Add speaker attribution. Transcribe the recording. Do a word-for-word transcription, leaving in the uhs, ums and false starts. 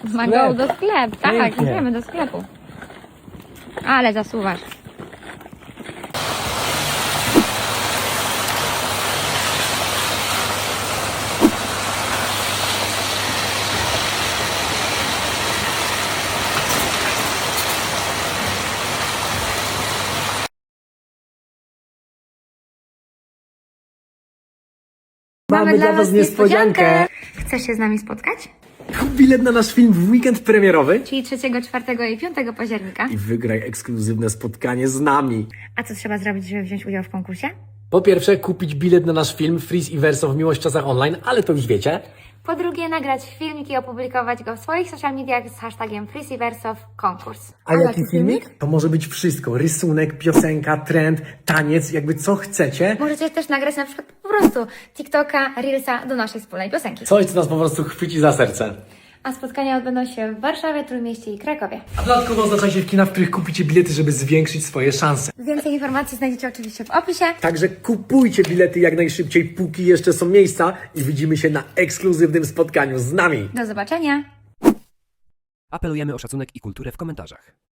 Speaker 1: Mango do sklepu, tak,
Speaker 2: Pięknie.
Speaker 1: idziemy do sklepu. Ale zasuwasz.
Speaker 2: Mamy dla was niespodziankę.
Speaker 1: Chcesz się z nami spotkać?
Speaker 2: Kup bilet na nasz film w weekend premierowy
Speaker 1: Czyli trzeciego, czwartego i piątego października.
Speaker 2: i wygraj ekskluzywne spotkanie z nami.
Speaker 1: A co trzeba zrobić, żeby wziąć udział w konkursie?
Speaker 2: Po pierwsze, kupić bilet na nasz film Freeze i Verso w Miłość w czasach online, ale to już wiecie.
Speaker 1: Po drugie, nagrać filmik i opublikować go w swoich social mediach z hashtagiem FreeZiverso konkurs.
Speaker 2: A jaki filmik? To może być wszystko. Rysunek, piosenka, trend, taniec, jakby co chcecie.
Speaker 1: Możecie też nagrać na przykład po prostu TikToka, Reelsa do naszej wspólnej piosenki.
Speaker 2: Coś, co nas po prostu chwyci za serce.
Speaker 1: A spotkania odbędą się w Warszawie, Trójmieście i Krakowie.
Speaker 2: A dodatkowo oznacza się w kinach, w których kupicie bilety, żeby zwiększyć swoje szanse.
Speaker 1: Więcej informacji znajdziecie oczywiście w opisie.
Speaker 2: Także kupujcie bilety jak najszybciej, póki jeszcze są miejsca i widzimy się na ekskluzywnym spotkaniu z nami.
Speaker 1: Do zobaczenia!
Speaker 3: Apelujemy o szacunek i kulturę w komentarzach.